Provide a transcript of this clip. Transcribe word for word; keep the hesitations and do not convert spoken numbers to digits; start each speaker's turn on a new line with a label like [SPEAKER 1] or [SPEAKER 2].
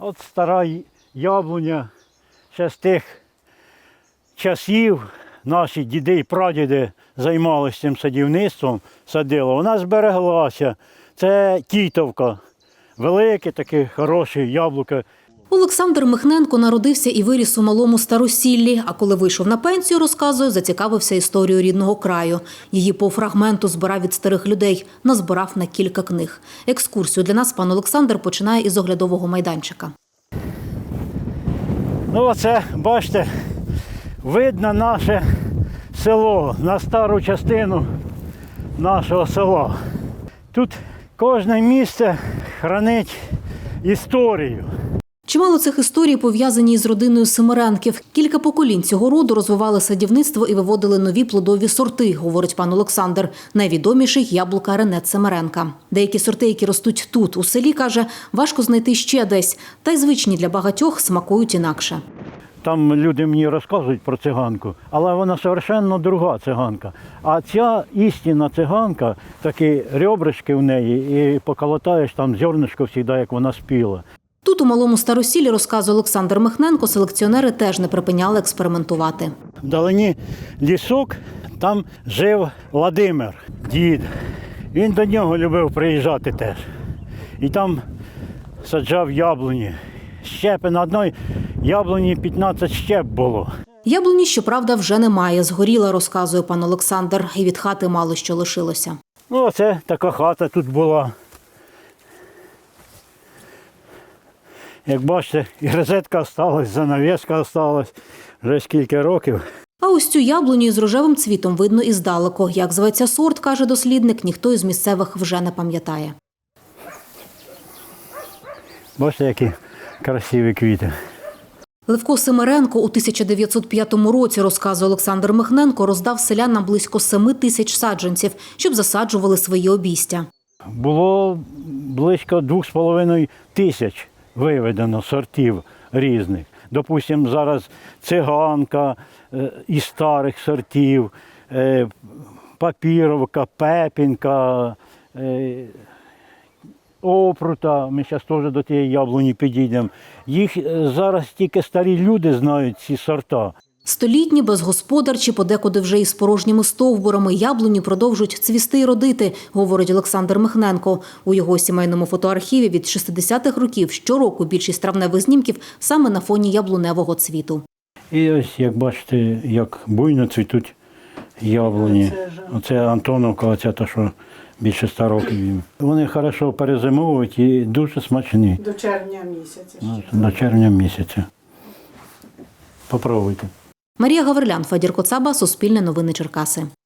[SPEAKER 1] От стара яблуня ще з тих часів наші діди і прадіди займалися цим садівництвом, садили. Вона збереглася. Це Тітовка. Велике таке хороше яблуко.
[SPEAKER 2] Олександр Михненко народився і виріс у малому Старосіллі, а коли вийшов на пенсію, розказує, зацікавився історією рідного краю. Її по фрагменту збирав від старих людей, назбирав на кілька книг. Екскурсію для нас пан Олександр починає із оглядового майданчика.
[SPEAKER 1] Ну оце, бачите, видно наше село, на стару частину нашого села. Тут кожне місце хранить історію.
[SPEAKER 2] Чимало цих історій пов'язані із родиною Семеренків. Кілька поколінь цього роду розвивали садівництво і виводили нові плодові сорти, говорить пан Олександр. Найвідоміший – яблука Ренет Семеренка. Деякі сорти, які ростуть тут, у селі, каже, важко знайти ще десь. Та й звичні для багатьох смакують інакше.
[SPEAKER 1] Там люди мені розказують про циганку, але вона совершенно друга циганка. А ця істинна циганка, такі ребришки в неї, і поколотаєш там зернишко завжди, як вона спіла.
[SPEAKER 2] Тут у малому Старосіллі, розказує Олександр Михненко, селекціонери теж не припиняли експериментувати.
[SPEAKER 1] Вдалині лісок, там жив Владимир, дід. Він до нього любив приїжджати теж. І там саджав яблуні. Щепи на одній яблуні п'ятнадцять щеп було.
[SPEAKER 2] Яблуні, щоправда, вже немає. Згоріла, розказує пан Олександр. І від хати мало що лишилося.
[SPEAKER 1] Ну, оце така хата тут була. Як бачите, і розетка залишилась, занавіска залишилась вже скільки років.
[SPEAKER 2] А ось цю яблуню із рожевим цвітом видно і здалеку. Як зветься сорт, каже дослідник, ніхто із місцевих вже не пам'ятає.
[SPEAKER 1] Бачите, які красиві квіти.
[SPEAKER 2] Левко Семеренко у тисяча дев'ятсот п'ятому році, розказує Олександр Михненко, роздав селянам близько семи тисяч саджанців, щоб засаджували свої обійстя.
[SPEAKER 1] Було близько двох з половиною тисяч виведено сортів різних. Допустимо, зараз циганка е, із старих сортів, е, папіровка, пепінка, е, опрута. Ми зараз теж до тієї яблуні підійдемо. Їх е, зараз тільки старі люди знають, ці сорта.
[SPEAKER 2] Столітні, безгосподарчі, подекуди вже із порожніми стовбурами яблуні продовжують цвісти й родити, говорить Олександр Михненко. У його сімейному фотоархіві від шістдесятих років щороку більшість травневих знімків саме на фоні яблуневого цвіту.
[SPEAKER 1] І ось, як бачите, як буйно цвітуть яблуні. Оце Антоновка, оця та, що більше ста років їм. Вони хорошо перезимовують і дуже смачні.
[SPEAKER 3] До червня місяця.
[SPEAKER 1] Ще. До червня місяця. Попробуйте.
[SPEAKER 2] Марія Гаврилян, Федір Коцаба, Суспільне новини Черкаси.